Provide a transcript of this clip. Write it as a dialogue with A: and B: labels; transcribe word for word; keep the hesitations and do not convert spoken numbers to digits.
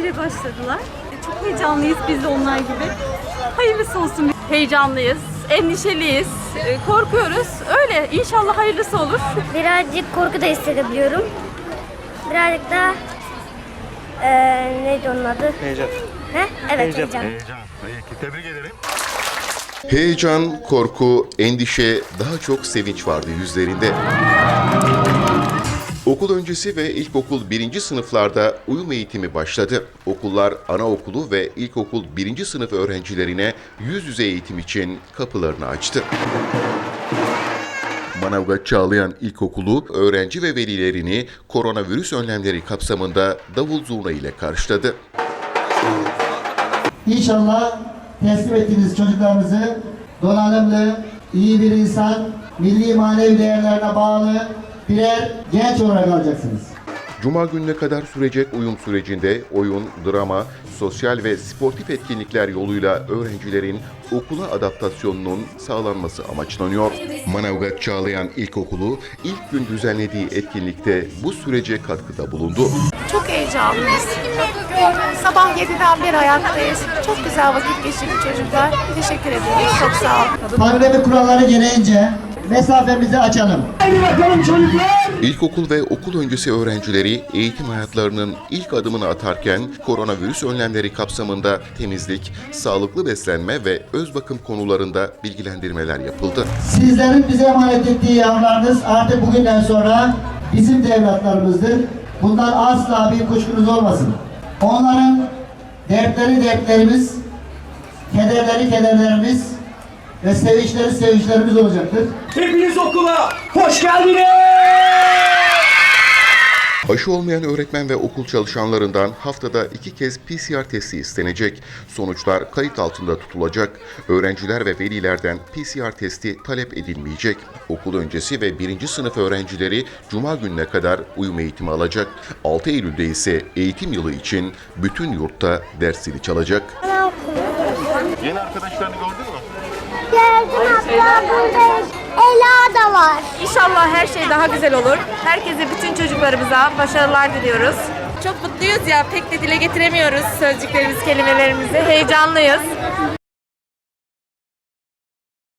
A: öyle başladılar. Çok heyecanlıyız biz de onlar gibi. Hayırlısı olsun.
B: Heyecanlıyız, endişeliyiz, korkuyoruz. Öyle, inşallah hayırlısı olur.
C: Birazcık korku da hissedebiliyorum. Birazcık da ee, neydi onun adı?
D: Heyecan.
C: He? Evet, heyecan.
D: Heyecan. Peki, tebrik ederim.
E: Heyecan, korku, endişe, daha çok sevinç vardı yüzlerinde. Okul öncesi ve ilkokul birinci sınıflarda uyum eğitimi başladı. Okullar anaokulu ve ilkokul birinci sınıf öğrencilerine yüz yüze eğitim için kapılarını açtı. Manavgat Çağlayan İlkokulu öğrenci ve velilerini koronavirüs önlemleri kapsamında davul zurna ile karşıladı.
F: İnşallah teslim ettiğiniz çocuklarınızı donanımlı, iyi bir insan, milli manevi değerlerine bağlı birer genç olarak alacaksınız.
E: Cuma gününe kadar sürecek uyum sürecinde oyun, drama, sosyal ve sportif etkinlikler yoluyla öğrencilerin okula adaptasyonunun sağlanması amaçlanıyor. Manavgat Çağlayan İlkokulu ilk gün düzenlediği etkinlikte bu sürece katkıda bulundu.
B: Çok heyecanlıyız. Sabah yediden beri ayaktayız. Çok güzel vakit geçirdi çocuklar. Teşekkür ediyoruz. Çok sağ olun.
F: Pandemi kuralları gereğince mesafemizi açalım. Hadi bakalım çocuklar!
E: İlkokul ve okul öncesi öğrencileri eğitim hayatlarının ilk adımını atarken koronavirüs önlemleri kapsamında temizlik, sağlıklı beslenme ve öz bakım konularında bilgilendirmeler yapıldı.
F: Sizlerin bize emanet ettiği yavrularınız artık bugünden sonra bizim de evlatlarımızdır. Bundan asla bir kuşkunuz olmasın. Onların dertleri dertlerimiz, kederleri kederlerimiz ve sevinçleri sevinçlerimiz olacaktır.
G: Hepiniz okula hoş geldiniz.
E: Aşı olmayan öğretmen ve okul çalışanlarından haftada iki kez P C R testi istenecek. Sonuçlar kayıt altında tutulacak. Öğrenciler ve velilerden P C R testi talep edilmeyecek. Okul öncesi ve birinci sınıf öğrencileri Cuma gününe kadar uyum eğitimi alacak. altı Eylül'de ise eğitim yılı için bütün yurtta ders zili çalacak.
D: Yeni arkadaşlarını gördün mü?
C: Geldim abla, burada Ela da var.
B: İnşallah her şey daha güzel olur. Herkese, bütün çocuklarımıza başarılar diliyoruz. Çok mutluyuz ya, pek de dile getiremiyoruz sözcüklerimiz, kelimelerimizi. Heyecanlıyız.